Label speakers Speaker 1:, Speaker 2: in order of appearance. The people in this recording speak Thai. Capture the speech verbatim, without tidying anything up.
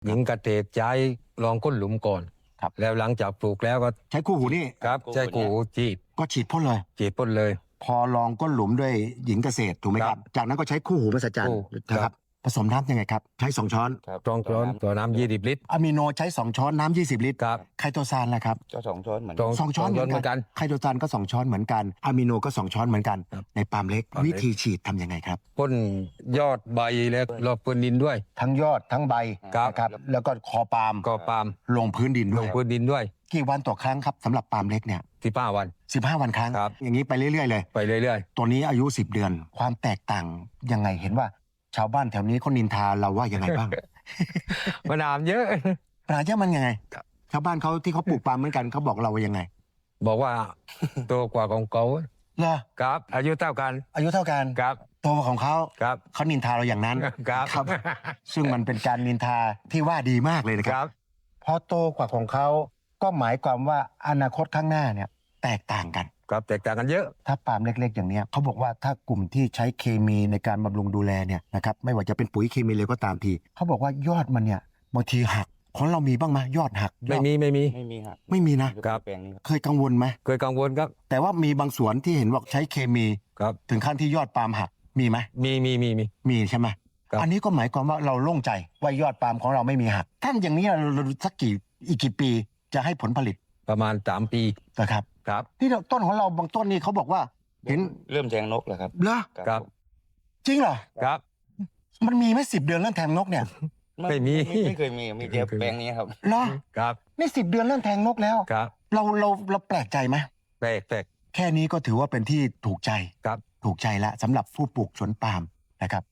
Speaker 1: หญิงเกษตรใช้ลองก้นหลุมก่อน
Speaker 2: ครับ
Speaker 1: แล้วหลังจากปลูกแล้วก็
Speaker 2: ใช้คู่หูนี่
Speaker 1: ครับใช้กูจีบ
Speaker 2: ก็ฉีดพ่นเลย
Speaker 1: จีบพ่นเลย
Speaker 2: พอลองก้นหลุมด้วยหญิงเกษตรถูกไหมค
Speaker 1: ครั
Speaker 2: รับ
Speaker 1: บ
Speaker 2: จากนั้นก็ใช้คู่หูมหัศจรร
Speaker 1: คู่
Speaker 2: ย์นะครับผสมน้ำยังไงครับใช้สองช้อน
Speaker 3: ครับ
Speaker 1: ตรองช้อนต่อน้ำยี่สิบลิตร
Speaker 2: อะมิโนใช้สองช้อนน้ำยี่สิบลิตร
Speaker 1: ครับ
Speaker 2: ไคโตซานล่ะครับ
Speaker 3: ก็สองช้อนเหมือน
Speaker 1: ตร
Speaker 3: กัน
Speaker 1: ง
Speaker 2: สองช้อนเหมือน
Speaker 1: เหมือน
Speaker 2: กั
Speaker 1: กัน น
Speaker 2: ไคโตซานก็สองช้อนเหมือนกันอะมิโนก็สองช้อนเหมือนกัน
Speaker 1: ครับ
Speaker 2: ในปาล์มเล็ก
Speaker 1: ปาล์มเล็ก
Speaker 2: วิธีฉีดทำยังไงครับ
Speaker 1: พ่นยอดใบแล้วรอบพื้นดินด้วย
Speaker 2: ทั้งยอดทั้งใบ
Speaker 1: ครับ
Speaker 2: นะครับแล้วก็คอปาล์ม
Speaker 1: ก็ปาล์ม
Speaker 2: ลงพื้นดิน
Speaker 1: ล
Speaker 2: ด้วย
Speaker 1: งพื้นดินด้วย
Speaker 2: กี่วันต่อครั้งครับสำหรับปาล์มเล็กเนี่ย
Speaker 1: ที่ป้าวัน
Speaker 2: สิบห้าวันครั้ง
Speaker 1: ครับ
Speaker 2: อย่างนี้ไปเรื่อยๆเลย
Speaker 1: ไปเรื่อย
Speaker 2: ตัวนี้อายุสิบเดือน ความแตกต่างยังไงเห็นว่า ชาวบ้านแถวนี้เขานินทาเราว่ายังไงบ้าง
Speaker 1: ๆ มะนาวเยอะ
Speaker 2: ปัญหาเยอะมันยังไง
Speaker 1: ครับ
Speaker 2: ชาวบ้านเขาที่เขาปลูกปาล์มเหมือนกันเขาบอกเราว่ายังไง
Speaker 1: บอกว่าโตกว่าของเขา
Speaker 2: เหรอ
Speaker 1: ครับ อายุเท่ากัน
Speaker 2: อายุเท่ากัน
Speaker 1: ครับ
Speaker 2: โตกว่าของเขา
Speaker 1: ครับ
Speaker 2: เขานินทาเราอย่างนั้น
Speaker 1: ครับ
Speaker 2: ครับ ซึ่งมันเป็นการนินทาที่ว่าดีมากเลยนะค
Speaker 1: ครับ รับ
Speaker 2: พอโตกว่าของเขาก็หมายความว่าอนาคตข้างหน้าเนี่ยแตกต่างกัน
Speaker 1: ครับแตกต่างกันเยอะ
Speaker 2: ถ้าปาล์มเล็กๆ อย่างเนี้ยเขาบอกว่าถ้ากลุ่มที่ใช้เคมีในการบำรุงดูแลเนี่ยนะครับไม่ว่าจะเป็นปุ๋ยเคมีเลยก็ตามทีเขาบอกว่ายอดมันเนี่ยบางทีหักของเรามีบ้างไหมยอดหักยอ
Speaker 1: ไม่
Speaker 2: ด
Speaker 1: มีไม่มี
Speaker 3: ไม่มีครับ
Speaker 2: ไม่มีนะ
Speaker 1: ครับ
Speaker 3: แปลงนี้ครับ
Speaker 2: เคยกังวลไหม
Speaker 1: เคยกังวลครับ
Speaker 2: แต่ว่ามีบางสวนที่เห็นว่าใช้เคมี
Speaker 1: ครับ
Speaker 2: ถึงขั้นที่ยอดปาล์มหักมีไหม
Speaker 1: มีมีมีมี
Speaker 2: มีใช่ไหม
Speaker 1: ครับ
Speaker 2: อันนี้ก็หมายความว่าเราโล่งใจว่ายอดปาล์มของเราไม่มีหักท่านอย่างนี้เราสักกี่อีกกี่ปีจะให้ผลผลิต
Speaker 1: ประมาณสามปี
Speaker 2: นะครับ
Speaker 1: ครับ
Speaker 2: ที่ต้นของเราบางต้นนี่เขาบอกว่าเห็น
Speaker 3: เริ่มแทงนกแล้วครับ
Speaker 2: เหรอ
Speaker 1: ครับ
Speaker 2: จริงเหรอ
Speaker 1: ครับ
Speaker 2: มันมีไหมสิบเดือนเรื่องแทงนกเนี่ย
Speaker 1: ไม่มี
Speaker 3: ไม่เคยมีมีแต่แปลงนี้ครับ
Speaker 2: เหรอ
Speaker 1: ครับ
Speaker 2: นี่สิบเดือนเรื่องแทงนกแล้ว
Speaker 1: ครับ
Speaker 2: เราเราเราแปลกใจไหม
Speaker 1: แปลกแปลก
Speaker 2: แค่นี้ก็ถือว่าเป็นที่ถูกใจ
Speaker 1: ครับ
Speaker 2: ถูกใจละสำหรับผู้ปลูกสวนปาล์มนะครับ